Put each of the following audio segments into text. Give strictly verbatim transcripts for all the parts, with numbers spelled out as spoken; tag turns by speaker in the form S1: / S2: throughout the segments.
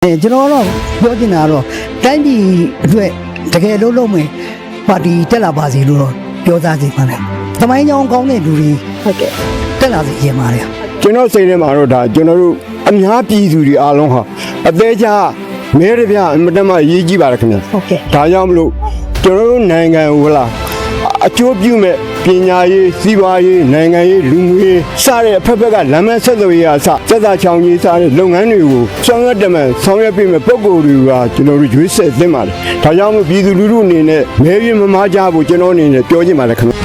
S1: အဲကျွန်တော်တော့ပြောချင်တာတော့တိုင်းပြည်အတွက်တကယ်လို့လုံးမယ်ပါတီတက်လာပါစီလို့တော့ပြောသားစီပါနဲ့သမိုင်းကြောင်းကောင်းတဲ့လူတွေဟုတ်ကဲ့တက်လာစီရင်ပါတယ်
S2: ကျွန်တော်စိတ်ထဲမှာတော့ဒါကျွန်တော်တို့အများပြည်သူတွေအားလုံးဟာအသေးချာမဲရပြအမတမရေးကြည့်ပါရခင်ဗျဟုတ်ကဲ့ဒါကြောင့်မလို့ကျွန်တော်တို့နိုင်ငံဟိုလားအကျိုးပြုမဲ့ပညာရေးစီးပွားရေးနိုင်ငံရေးလူမှုရေးစတဲ့အဖက်ဖက်ကလမ်းမဆက်သွယ်ရေးအစစက်သားချောင်းကြီးစတဲ့လုပ်ငန်းတွေကိုဆောင်ရွက်တယ်မှဆောင်ရွက်ပြီးမဲ့ပုံကိုယ်တွေကကျွန်တော်တို့ရွေးဆက်သင့်ပါတယ်ဒါကြောင့်မို့ပြည်သူလူထုအနေနဲ့မဲရမမားကြဖို့ကျွန်တော်အနေနဲ့ပြောချင်ပါတယ်ခင်ဗျ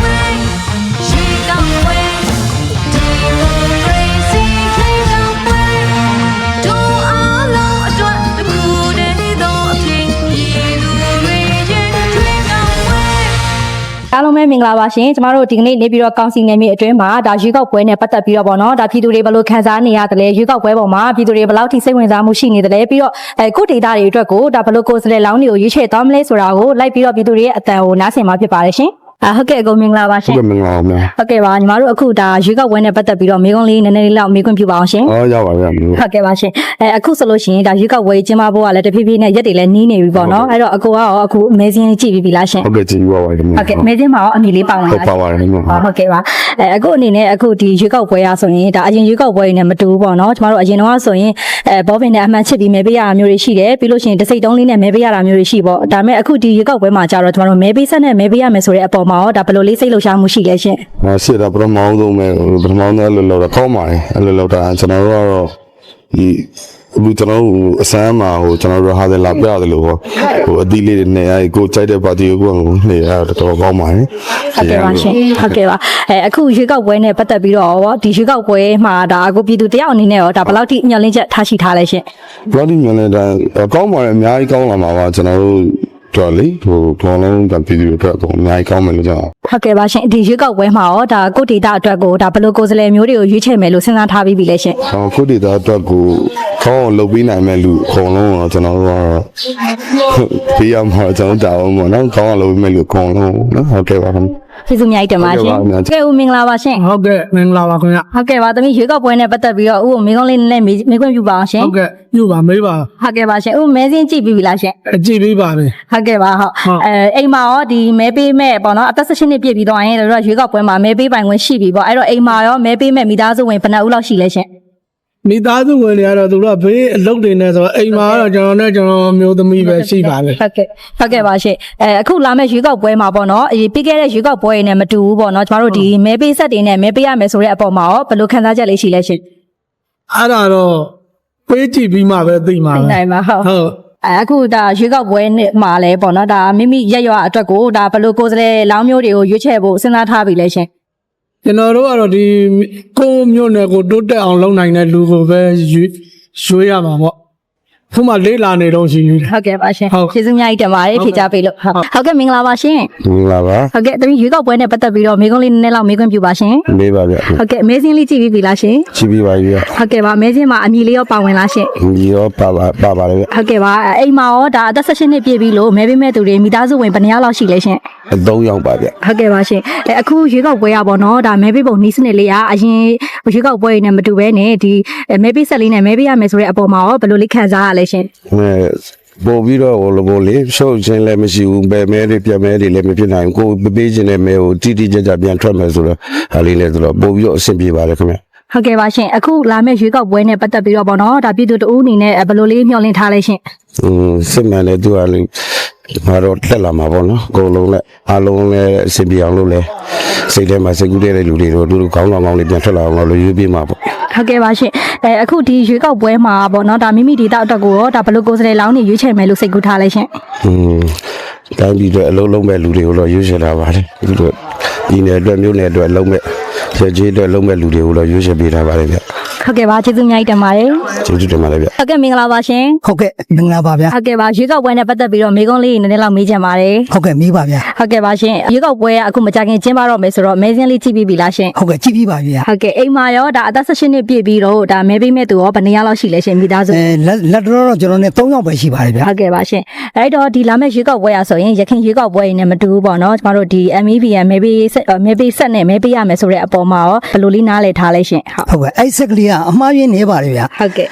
S3: အားလုံးပဲမင်္ဂလာပါရှင်ကျမတို့ဒီကနေ့နေပြီးတော့ကောင်စီနယ်မြေအတွင်းမှာဒါရွေးကောက်ပွဲနဲ့ပတ်သက်ပြီးတော့ပေါ့နော်ဒါပြည်သူတွေဘယ်လိုခံစားနေရတယ်လဲရွေးကောက်ပွဲပေါ်မှာပြည်သူတွေဘယ်လောက်ထိစိတ်ဝင်စားမှုရှိနေတယ်လဲပြီးတော့အဲကိုဒေတာတွေအတွက်ကိုဒါဘယ်လိုကိုယ်စားလှယ်လောင်းတွေကိုရွေးချယ်သွားမလဲဆိုတာကိုလိုက်ပြီးတော့ပြည်သူတွေရဲ့အတန်ကိုနားဆင်မှာဖြစ်ပါတယ်ရှင်အာဟုတ်ကဲ့အကုန်မင်္ဂလာပါရှင်
S2: ဟုတ်ကဲ့မင်္ဂလာပါဗျာ
S3: ဟုတ်ကဲ့ပါညီမတို့အခုဒါရွေးကောက်ပွဲနဲ့ပတ်သက်ပြီးတော့မိကုံးလေးနည်းနည်းလေးလောက်မေးခွင့်ပြုပါအောင်ရှင်
S2: ဟောရပါဗျာ
S3: ဟုတ်ကဲ့ပါရှင်အဲအခုဆိုလို့ရှိရင်ဒါရွေးကောက်ပွဲကျင်းပဖို့ကလည်းတဖြည်းဖြည်းနဲ့ရက်တွေလည်းနီးနေပြီပေါ့နော်အဲ့တော့အကိုကရောအခုမဲစင်းကြည့်ပြီးပြီလားရှင်
S2: ဟုတ်ကဲ့ကြည့်ပါပါခင်ဗျ
S3: ဟုတ်ကဲ့မဲစင်းမှာရောအမီလေးပါဝင်လား
S2: ပါပါတယ်ခင်ဗျ
S3: ဟုတ်ကဲ့ပါအဲအခုအနေနဲ့အခုဒီရွေးကောက်ပွဲရဆိုရင်ဒါအရင်ရွေးကောက်ပွဲတွေနဲ့မတူဘူးပေါ့နော်ကျမတို့အရင်တော့ဆိုရင်အဲဘောပင်နဲ့အမှန်ချစ်ပြီးမဲပေးရတာမျိုးတွေရှိတယ်ပြီးလို့ရှိရင်တစိတ်တုံးလေးနဲ့မဲပေးရတာမျိုးတွေရှိပေါ့ဒါပေမဲ့အခုဒီရွေးကောက်ပွဲမှာကျတော့ကျမတို့မဲပေးဆက်နဲ့မဲပေးရမယ်ဆိုတဲ့အပေါ်မှာရောဒါဘယ်လိုလေးစိတ်လှုပ်ရှားမှုရှိလဲရှင်
S2: ။ဟာရှေ့တော့ပထမဆုံးပဲပထမဆုံးလည်းလောက်တော့ကောင်းပါတယ်အဲ့လိုလောက်တာကျွန်တော်တို့ကတော့ဒီအခုကျွန်တော်တို့အစမ်းမှာဟိုကျွန်တော်တို့ဟာတယ်လာပြရတယ်လို့ဟိုအသီးလေးတွေနဲ့အဲကိုကြိုက်တဲ့ပါတီကိုနေရတော့တော်ကောင်းပါတယ်
S3: ဟုတ်ကဲ့ပါရှင်ဟုတ်ကဲ့ပါအဲအခုရွေးကောက်ပွဲနဲ့ပတ်သက်ပြီးတော့ရောဒီရွေးကောက်ပွဲမှာဒါအခုပြည်သူတယောက်အနေနဲ့ရောဒါဘယ်လောက်ထိညှော်လင့်ချက်ထားရှိထားလဲရှင်
S2: ဘယ်လောက်ထိညှော်လင့်တာကောင်းပါတယ်အများကြီးကောင်းလာမှာပါကျွန်တော်တို့တော်လေဟိုဘောလုံးတပြည်သူတွေအတွက်အများကြီးကောင်းမယ်လို့ကျွန်တော်
S3: ဟုတ်ကဲ့ပါရှင်ဒီရွေးကောက်ပွဲမှာရောဒါကိုဒေတာအတွက်ကိုဒါဘယ်လိုကိုယ်စားလှယ်မျိုးတွေကိုရွေးချယ်မယ်လို့စဉ်းစားထားပြီးပြီလဲရှင်
S2: ဟောကိုဒေတာအတွက်ကိုကောင်းအောင်လုပ်ပေးနိုင်မဲ့လူအကုန်လုံးတော့ကျွန်တော်တို့ကတော့ပေးရမှာကျွန်တော်တောင်းပါတော့ကောင်းအောင်လုပ်ပေးမဲ့လူအကုန်လုံးနော်ဟုတ်ကဲ့ပါခင်
S3: ဗျကျေးဇူးများတင်ပါရှင်ကဲဦးမင်္ဂလာပါရှင်
S4: ဟုတ်ကဲ့မင်္ဂလာပါခင်ဗျ
S3: ဟုတ်ကဲ့ပါသမီးရွေးကောက်ပွဲနဲ့ပတ်သက်ပြီးတော့ဦးကိုမိကုံးလေးနဲ့မေးခွင့်ပြုပါအောင်ရှင်
S4: ဟုတ်ကဲ့ပြုပါမေးပါ
S3: ဟုတ်ကဲ့ပါရှင်ဦးမဲစင်းကြည့်ပြီးပြီလားရှင်
S4: ကြည့်ပြီးပါပြီ
S3: ဟုတ်ကဲ့ပါဟုတ်အဲအိမ်မှာရောဒီမဲပေးမဲ့ပေါ့နော်အသက်၁၈နှစ်ပြည့်ပြီးတော့ရင်တို့ရွေးကောက်ပွဲမှာမဲပေးပိုင်ခွင့်ရှိပြီပေါ့အဲ့တော့အိမ်မှာရောမဲပေးမဲ့မိသားစုဝင်ဘယ်နှဦးလောက်ရှိလဲရှင်
S4: မိသားစုဝင်တွေကတော့သူတို့ကဘေးအလုပ်တွေနဲ့ဆိုတော့အိမ်မှာကတော့ကျွန်တော်နဲ့ကျွန်တော်မျိုးသမီးပဲရှိပါလေ
S3: ဟုတ်ကဲ့ဟုတ်ကဲ့ပါရှင်အဲအခုလာမဲ့ရွေးကောက်ပွဲမှာပေါ့နော်အပြီးခဲ့တဲ့ရွေးကောက်ပွဲတွေနဲ့မတူဘူးပေါ့နော်ကျမတို့ဒီမဲပေးဆက်တွေနဲ့မဲပေးရမယ်ဆိုတဲ့အပေါ်မှာရောဘယ်လိုခံစားချက်လေးရှိလဲရှင်
S4: အဲ့ဒါတော့ပေးကြည့်ပြီးမှပဲသိမှာပဲ
S3: နိုင်ပါဟုတ်ဟုတ်အခုဒါရွေးကောက်ပွဲနဲ့မှာလဲပေါ့နော်ဒါမိမိရက်ရွာအတွက်ကိုဒါဘယ်လိုကိုယ်စားလှယ်လောင်းမျိုးတွေကိုရွေးချယ်ဖို့စဉ်းစားထားပြီလဲရှင်
S4: ကျွန်တော်တို့ကတော့ဒီကိုမျိုးနယ်ကိုတိုးတက်အောင်လုပ်နိုင်တဲ့လူကိုပဲရွေးရွေးရမှာပေါ့ခုမှလေးလာနေတော့ရှိပြီ
S3: ဟုတ်ကဲ့ပါရှင်ကျေးဇူးများကြီးတင်ပါတယ်ဖြေချပေးလို့ဟုတ်ကဲ့မင်္ဂလာပါရှင်
S2: မင်္ဂလာပါ
S3: ဟုတ်ကဲ့တမီးရွေးကောက်ပွဲနဲ့ပတ်သက်ပြီးတော့မိကုံးလေးနည်းနည်းလောက်မေးခွင့်ပြုပါရှင်
S2: မေးပါဗျ
S3: ဟုတ်ကဲ့မဲစင်းလေးကြည့်ပြီးပြီလားရှင်
S2: ကြည့်ပြီးပါပြီ
S3: ဟုတ်ကဲ့ပါမဲစင်းမှာအမီလေးရောပါဝင်လားရှင်
S2: အမီရောပါပါပါပါလေ
S3: ဟုတ်ကဲ့ပါအိမ်မှာရောဒါအသက်၁၈နှစ်ပြည့်ပြီလို့မဲပေးမဲ့သူတွေမိသားစုဝင်ဘယ်နှယောက်လောက်ရှိလဲရှင်
S2: သုံးယောက်ပါဗျ
S3: ဟုတ်ကဲ့ပါရှင်အခုရွေးကောက်ပွဲရပါတော့ဒါမဲပေးပုံနီးစနစ်လေးကအရင်ရွေးကောက်ပွဲနဲ့မတူဘဲနဲ့ဒီမဲပေးဆက်လေးနဲ့မဲပေးရမယ်ဆိုတဲ့အပေါ်မှာရောဘယ်လိုလေးခံစားရလဲရှင်
S2: ပို့ပြီးတော့ဟိုလိုပို့လေးရှုပ်ချင်းလည်းမရှိဘူးပဲမဲတွေပြမဲတွေလည်းမဖြစ်နိုင်ဘူးကိုပေးခြင်းနဲ့မဲကိုတိတိကျကျပြန်ထွက်မယ်ဆိုတော့ဟာလေးလည်းဆိုတော့ပို့ပြီးတော့အဆင်ပြေပါတယ်ခင်ဗျ
S3: ဟုတ်ကဲ့ပါရှင်အခုလာမယ့်ရွေးကောက်ပွဲနဲ့ပတ်သက်ပြီးတော့ပေါ့နော်ဒါပြည်သူတအူးအနေနဲ့ဘယ်လိုလေးမျှော်လင့်ထားလဲရှင်
S2: อืมစစ်မှန်လေသူကလေငါတော့တက်လာမှာပေါ့နော်အကုန်လုံးလည်းအားလုံးလည်းအဆင်ပြေအောင်လုပ်လဲစိတ်ထဲမှာစိတ်ကူးတဲ့လူတွေတော့သူတို့ကောင်းကောင်းကောင်းလေးပြန်ထွက်လာအောင်လို့ရွေးပေးမှာပေါ့
S3: ဟုတ်ကဲ့ပါရှင်အဲအခုဒီရွေးကောက်ပွဲမှာပေါ့နော်ဒါမိမိဒေတာအတွက်ကိုရောဒါဘယ်လိုကိုယ်စားလှယ်လောင်းနေရွေးချယ်မယ်လို့စိတ်ကူးထားလဲရှင်
S2: อืมတိုင်းပြည်အတွက်အလုံးလုံးမဲ့လူတွေကိုတော့ရွေးချယ်တာပါတယ်သူတို့ဒီနယ်အတွက်မျိုးနယ်အတွက်လုံးမဲ့ရကြီးအတွက်လုံးမဲ့လူတွေကိုတော့ရွေးချယ်ပေးထားပါတယ်ဗျ
S3: ဟုတ်ကဲ့ပါကျေးဇူးများကြီးတင်ပါတယ်
S2: ကျေးဇူးတင်ပါတယ်ဗျ
S3: ဟုတ်ကဲ့မင်္ဂလာပါရှင်
S1: ဟုတ်ကဲ့မင်္ဂလာပါဗျာ
S3: ဟုတ်ကဲ့ပါရွေးကောက်ပွဲနဲ့ပတ်သက်ပြီးတော့မိကုံးလေးနည်းနည်းလောက်မေးချင်ပါတယ်
S1: ဟုတ်ကဲ့မေးပါဗျာ
S3: ဟုတ်ကဲ့ပါရှင်ရွေးကောက်ပွဲကအခုမကြခင်ကျင်းပတော့မယ်ဆိုတော့မဲစင်းလေးကြည့်ပြီးပြီလားရှင်
S1: ဟုတ်ကဲ့ကြည့်ပြီးပါဗျာ
S3: ဟုတ်ကဲ့အိမ်မှာရောဒါအသက်၁၈နှစ်ပြည့်ပြီးတော့ဒါမဲပေးမဲ့သူရောဘယ်နှယောက်လောက်ရှိလဲရှင်မိသားစု
S1: အဲလက်တော်တော့ကျွန်တော်နဲ့၃ယောက်ပဲရှိပါတယ်ဗျာ
S3: ဟုတ်ကဲ့ပါရှင်အဲ့တော့ဒီလာမဲ့ရွေးကောက်ပွဲရဆိုရင်ရခင်ရွေးကောက်ပွဲနဲ့မတူဘူးပေါ့နော်ကျမတို့ဒီ M E B N မဲပေးမဲပေးဆက်နဲ့မဲပေးရမယ်ဆိုတဲ့အပေါ်မှာရောဘယ်လိုလေးနားလည်ထားလဲရှင်
S1: ဟုတ်ဟုတ်ကဲ့အဲ့ဆက်ကလေးကအမှားရင်းနေပါတယ်ဗျာ
S3: ဟုတ်ကဲ့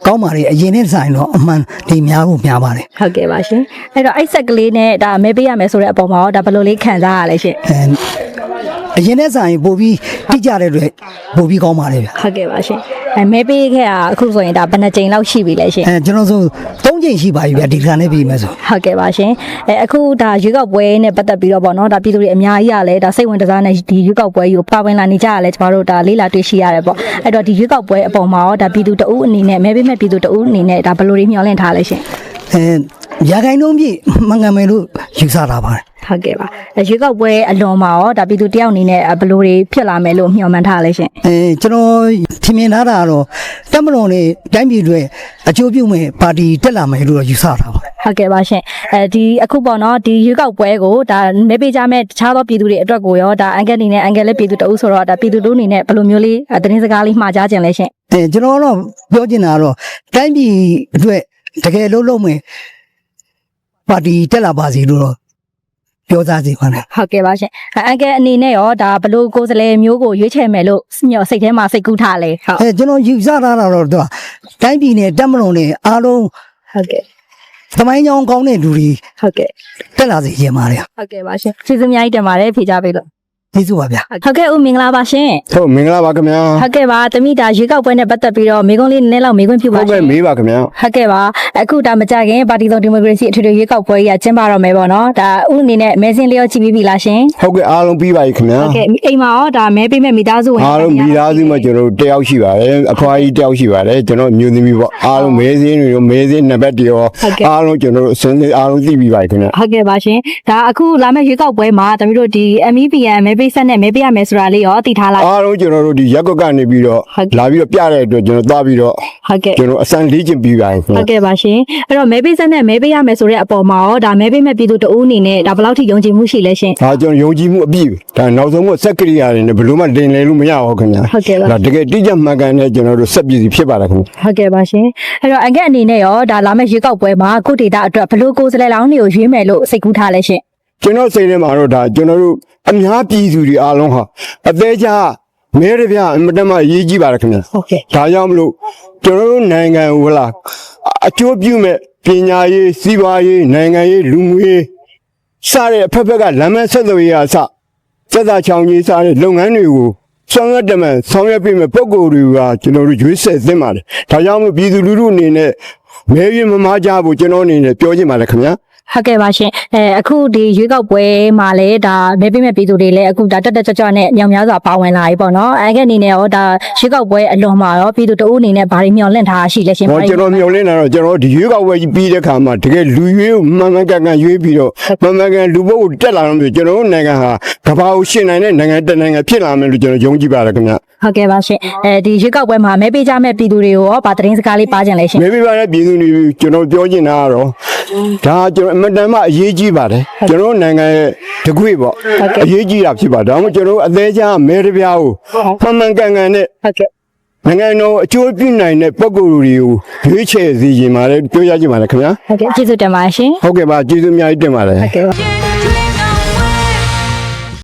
S1: ကောင်းပါလေအရင်နဲ့ဆိုင်တော့အမှန်ဒီများဖို့များပါတယ်
S3: ဟုတ်ကဲ့ပါရှင်အဲ့တော့အဲ့ဆက်ကလေးနဲ့ဒါမဲပေးရမယ်ဆိုတဲ့အပေါ်မှာတော့ဒါဘယ်လိုလေးခံစားရလဲရှင်
S1: အဲအရင်နဲ့ဆိုင်ပို့ပြီးတိကျတဲ့အတွက်ပို့ပြီးကောင်းပါလေဗျ
S3: ဟုတ်ကဲ့ပါရှင်အဲမဲပေးခဲ့တာအခုဆိုရင်ဒါဘယ်နှကြိမ်လောက်ရှိပြီလဲရှင်
S1: အဲကျွန်တော်ဆိုသုံးချိန်ရှိပါပြီဗျဒီကနေ့ပြီးမယ်ဆို
S3: ဟုတ်ကဲ့ပါရှင်အဲအခုဒါရွေးကောက်ပွဲနဲ့ပတ်သက်ပြီးတော့ပေါ့နော်ဒါပြည်သူတွေအများကြီးရလဲဒါစိတ်ဝင်တစားနဲ့ဒီရွေးကောက်ပွဲကြီးကိုပါဝင်လာနေကြရလဲကျမတို့ဒါလေးလာတွေ့ရှိရတယ်ပေါ့အဲ့တော့ဒီရွေးကောက်ပွဲအပေါ်မှာရောဒါပြည်သူတအုပ်အနေနဲ့မဲပေးမဲ့ပြည်သူတအုပ်အနေနဲ့ဒါဘယ်လိုတွေမျှော်လင့်ထားလဲရှင်
S1: အဲရာခိုင်နှုန်းပြည့်မငန်မယ်လို့ယူဆတာပါတယ်
S3: ဟုတ်ကဲ့ပါရွေးကောက်ပွဲအလွန်မှာရောဒါပြည်သူတယောက်အနေနဲ့ဘယ်လိုတွေဖြစ်လာမယ်လို့မျှော်မှန်းထားလဲရှင်
S1: အဲကျွန်တော်ထင်မြင်ထားတာကတော့တက်မတော်နဲ့တိုင်းပြည်တွေအကျိုးပြုမဲ့ပါတီတက်လာမယ်လို့ယူဆတာပါ
S3: ဟုတ်ကဲ့ပါရှင်အဲဒီအခုပေါ့နော်ဒီရွေးကောက်ပွဲကိုဒါမဲပေးကြမဲ့တခြားသောပြည်သူတွေအတွက်ကိုရောဒါအန်ကယ်အနေနဲ့အန်ကယ်လည်းပြည်သူတအုပ်ဆိုတော့ဒါပြည်သူတို့အနေနဲ့ဘယ်လိုမျိုးလေးသတင်းစကားလေးမှာကြားခြင်းလဲရှင်
S1: အဲကျွန်တော်တော့ပြောချင်တာကတော့တိုင်းပြည်အတွက်တကယ်လုံးလုံးမဲ့ပါတီတက်လာပါစီလို့တော့ပြောသားစီပါနဲ့
S3: ဟုတ်ကဲ့ပါရှင်အန်ကယ်အနေနဲ့ရောဒါဘယ်လိုကိုယ်စားလှယ်မျိုးကိုရွေးချယ်မယ်လို့မျှော်စိတ်ထဲမှာစိတ်ကူးထားလဲဟုတ်
S1: အဲကျွန်တော်ယူဆထားတာတော့သူကတိုင်းပြည်နဲ့တက်မတော်နဲ့အားလုံး
S3: ဟုတ်ကဲ့
S1: သမိုင်းကြောင်းကောင်းတဲ့လူတွေ
S3: ဟုတ်ကဲ့
S1: တက်လာစေချင်ပါတယ်
S3: ဟုတ်ကဲ့ပါရှင်ကျေးဇူးအများကြီးတင်ပါတယ်ဖြေကြပေးလို့
S1: ကျေးဇူးပါဗျာ
S3: ဟုတ်ကဲ့ဦးမင်္ဂလာပါရှင်
S2: ဟုတ်မင်္ဂလာပါခင်ဗျာ
S3: ဟုတ်ကဲ့ပါတမိတာရွေးကောက်ပွဲနဲ့ပတ်သက်ပြီးတော့မိကုံးလေးနည်းနည်းလောက်မိခွင့်ပြုပါ
S2: ဟုတ်
S3: ရှင်
S2: ကဲ့မေးပါခင်ဗျာ
S3: ဟုတ်ကဲ့ပါအခုဒါမကြခင်ပါတီစုံဒီမိုကရေစီအထွေထွေရွေးကောက်ပွဲကြီးကကျင်းပတော့မယ်ပေါ့နော်ဒါဥအနေနဲ့မဲစင်းလျော့ကြည့်ပြီးပြီလားရှင်
S2: ဟုတ်ကဲ့အားလုံးပြီးပါပြီခင်ဗျာ
S3: ဟုတ်ကဲ့အိမ်မှာရောဒါမဲပေးမဲ့မိသားစုဝင်
S2: အားလုံးမိသားစုမှာကျွန်တော်တို့တယောက်ရှိပါတယ်အဖွားကြီးတယောက်ရှိပါတယ်ကျွန်တော်မျိုးသမီးပေါ့အားလုံးမဲစင်းတွေရောမဲစင်းနံပါတ်တွေရောအားလုံးကျွန်တော်တို့အစင်းအားလုံးသိပြီးပါပြီခင်ဗျာ
S3: ဟုတ်ကဲ့ပါရှင်ဒါအခုလာမယ့်ရွေးကောက်ပွဲမှာတမီးတို့ဒီ M E P N မဲပေးဆက်နဲ့မဲပေးရမယ်ဆိုတာလေးရောသိထားလား
S2: အားလုံးကျွန်တော်တို့ဒီရက်ကွက်ကနေပြီးတော့လာပြီးတော့ပြတဲ့အတွက်ကျွန်တော်သွားပြီးတော့
S3: ဟုတ်ကဲ့
S2: ကျွန်တော်အစမ်းလေ့ကျင့်ပြီးပါခင်
S3: ဟု
S2: ဗျာ
S3: တ်ကဲ့ပါရှင်အဲ့တော့မဲပေးဆက်နဲ့မဲပေးရမယ်ဆိုတဲ့အပေါ်မှာရောဒါမဲပေးမဲ့ပြည်သူတအုပ်အနေနဲ့ဒါဘယ်လောက်ထိယုံကြည်မှုရှိလဲရှင်
S2: ဒါကျွန်တော်ယုံကြည်မှုအပြည့်ဒါနောက်ဆုံးကစက်ကရိယာတွေနဲ့ဘယ်လိုမှတင်လဲလို့မရဘူးခင်ဗျာ
S3: ဟုတ်ကဲ့ပါ
S2: ဒါတကယ်တိကျမှန်ကန်တဲ့ကျွန်တော်တို့စက်ပြည်စီဖြစ်ပါတယ်ခင်ဗျာ
S3: ဟုတ်ကဲ့ပါရှင်အဲ့တော့အန်ကက်အနေနဲ့ရောဒါလာမယ့်ရွေးကောက်ပွဲမှာကိုဒေတာအတွက်ဘယ်လိုကိုယ်စားလှယ်လောင်းတွေကိုရွေးမယ်လို့စိတ်ကူးထားလဲရှင်
S2: ကျွန်တော်စိတ်ထဲမှာတော့ဒါကျွန်တော်တို့အများပြည်သူတွေအားလုံးဟာအသေးချာမဲရပြအမတမရေးကြည့်ပါတယ်ခင်ဗျာ
S3: ဟုတ်ကဲ့
S2: ဒါကြောင့်မလို့ကျွန်တော်တို့နိုင်ငံဟိုလားအကျိုးပြုမဲ့ပညာရေးစီးပွားရေးနိုင်ငံရေးလူမှုရေးစတဲ့အဖက်ဖက်ကလမ်းမဆက်သွယ်ရေးအစစက်သားချောင်းကြီးစတဲ့လုပ်ငန်းတွေကိုဆောင်ရွက်တယ်မယ်ဆောင်ရွက်ပြီးမဲ့ပုံကိုယ်တွေကကျွန်တော်တို့ရွေးဆက်သင့်ပါတယ်ဒါကြောင့်မို့ပြည်သူလူထုအနေနဲ့မဲရွေးမမားကြဖို့ကျွန်တော်အနေနဲ့ပြောချင်ပါတယ်ခင်ဗျာ
S3: ဟုတ်ကဲ့ပါရှင်အဲအခုဒီရွေးကောက်ပွဲမှာလည်းဒါမဲပေးမဲ့ပြည်သူတွေလည်းအခုဒါတက်တက်ကြွကြွနဲ့ညောင်များစွာပါဝင်လာပြီပေါ့နော်အန်ကက်အနေနဲ့ရောဒါရွေးကောက်ပွဲအလွန်မှာရောပြည်သူတအုပ်အနေနဲ့ဘာတွေမျှော်လင့်ထားရှိလဲရှင်
S2: ဟောကျွန်တော်မျှော်လင့်တာတော့ကျွန်တော်ဒီရွေးကောက်ပွဲကြီးပြီးတဲ့ခါမှာတကယ်လူရွေးကိုမှန်မှန်ကန်ကန်ရွေးပြီးတော့မှန်မှန်ကန်လူပုတ်ကိုတက်လာတော့မျိုးကျွန်တော်တို့နိုင်ငံဟာကမ္ဘာကိုရှင်နိုင်တဲ့နိုင်ငံတစ်နိုင်ငံဖြစ်လာမယ်လို့ကျွန်တော်ယုံကြည်ပါတယ်ခင်ဗျာ
S3: ဟုတ်ကဲ့ပါရှင်အဲဒီရွေးကောက်ပွဲမှာမဲပေးကြမဲ့ပြည်သူတွေကိုရောဗာသတင်းစကားလေးပါကြင်လဲရှင်
S2: မြေပြပါတဲ့ပြည်သူတွေကျွန်တော်ပြောချင်တာကတော့ဒါကျွန်တော်အမတန်မှအရေးကြီးပါတယ်ကျွန်တော်နိုင်ငံရဲ့တကွေ့ပေါ့အရေးကြီးတာဖြစ်ပါဒါမှမဟုတ်ကျွန်တော်အသေးချာမဲတပြားကိုမှန်မှန်ကန်ကန်နဲ့
S3: ဟုတ်ကဲ့
S2: နိုင်ငံတော်အကျိုးပြုနိုင်တဲ့ပုံကိုယ်တွေကိုရွေးချယ်စီရင်ပါတယ်ပြောရချင်ပါတယ်ခင်ဗျာ
S3: ဟုတ်ကဲ့ကျေးဇူးတင်ပါတယ်ရှင်
S2: ဟုတ်ကဲ့ပါကျေးဇူးအများကြီးတင်ပါတယ်
S3: ဟုတ်ကဲ့ပါ